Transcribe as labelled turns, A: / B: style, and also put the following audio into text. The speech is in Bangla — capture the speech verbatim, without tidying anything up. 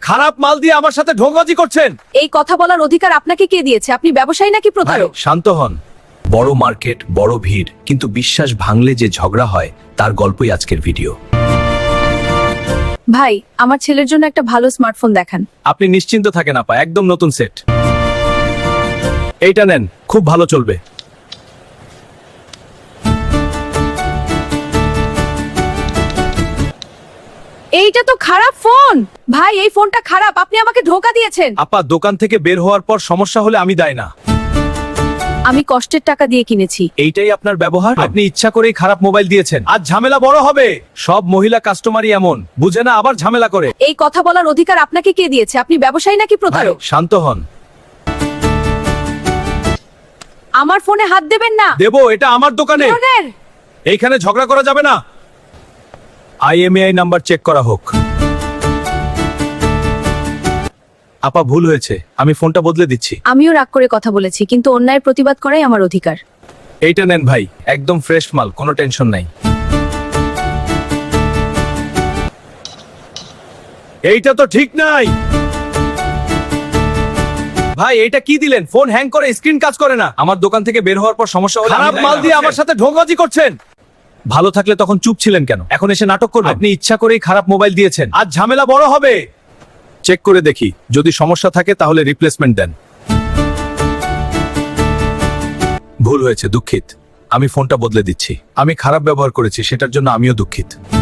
A: খারাপ মাল দিয়ে আমার সাথে ঢোঙ্গাজি করছেন।
B: এই কথা বলার অধিকার আপনাকে কে দিয়েছে? আপনি ব্যবসায়ী নাকি প্রতারক?
A: শান্ত হন। বড় মার্কেট, বড় ভিড়, কিন্তু বিশ্বাস ভাঙলে যে ঝগড়া হয় তার গল্পই আজকের ভিডিও।
B: ভাই, আমার ছেলের জন্য একটা ভালো স্মার্টফোন দেখান।
A: আপনি নিশ্চিন্ত থাকেন আপা, একদম নতুন সেট। এইটা নেন, খুব ভালো চলবে।
B: এইটা তো খারাপ ফোন। ভাই, এই ফোনটা খারাপ, আপনি আমাকে ধোঁকা দিয়েছেন।
A: আপা, দোকান থেকে বের হওয়ার পর সমস্যা হলে আমি দায় না।
B: আমি কষ্টের টাকা দিয়ে কিনেছি।
A: এইটাই আপনার ব্যবহার? আপনি ইচ্ছা করেই খারাপ মোবাইল দিয়েছেন। আজ ঝামেলা বড় হবে। সব মহিলা কাস্টমারই এমন, বুঝে না আবার ঝামেলা করে।
B: এই কথা বলার অধিকার আপনাকে কে দিয়েছে? আপনি ব্যবসায়ী নাকি প্রতারক?
A: শান্ত হন।
B: আমার ফোনে হাত দেবেন না।
A: দেবো, এটা আমার দোকানে।
B: ধরনের।
A: এইখানে ঝগড়া করা যাবে না। আইএমইআই নাম্বার চেক করা হোক। আপা, ভুল হয়েছে, আমি ফোনটা বদলে দিচ্ছি।
B: আমিও রাগ করে কথা বলেছি, কিন্তু অন্যায়ের প্রতিবাদ করাই আমার অধিকার।
A: এইটা নেন ভাই, একদম ফ্রেশ মাল, কোনো টেনশন নাই। এইটা তো ঠিক নাই ভাই। এইটা কি দিলেন? ফোন হ্যাং করে, স্ক্রিন কাজ করে না। আমার দোকান থেকে বের হওয়ার পর সমস্যা হলো। খারাপ মাল দিয়ে আমার সাথে ঢোঙ্গাজি করছেন। ভালো থাকলে তখন চুপ ছিলেন কেন? এখন এসে নাটক করবেন? আপনি ইচ্ছা করেই খারাপ মোবাইল দিয়েছেন। আজ ঝামেলা বড় হবে। চেক করে দেখি, যদি সমস্যা থাকে তাহলে রিপ্লেসমেন্ট দেন। ভুল হয়েছে, দুঃখিত। আমি ফোনটা বদলে দিচ্ছি। আমি খারাপ ব্যবহার করেছি, সেটার জন্য আমিও দুঃখিত।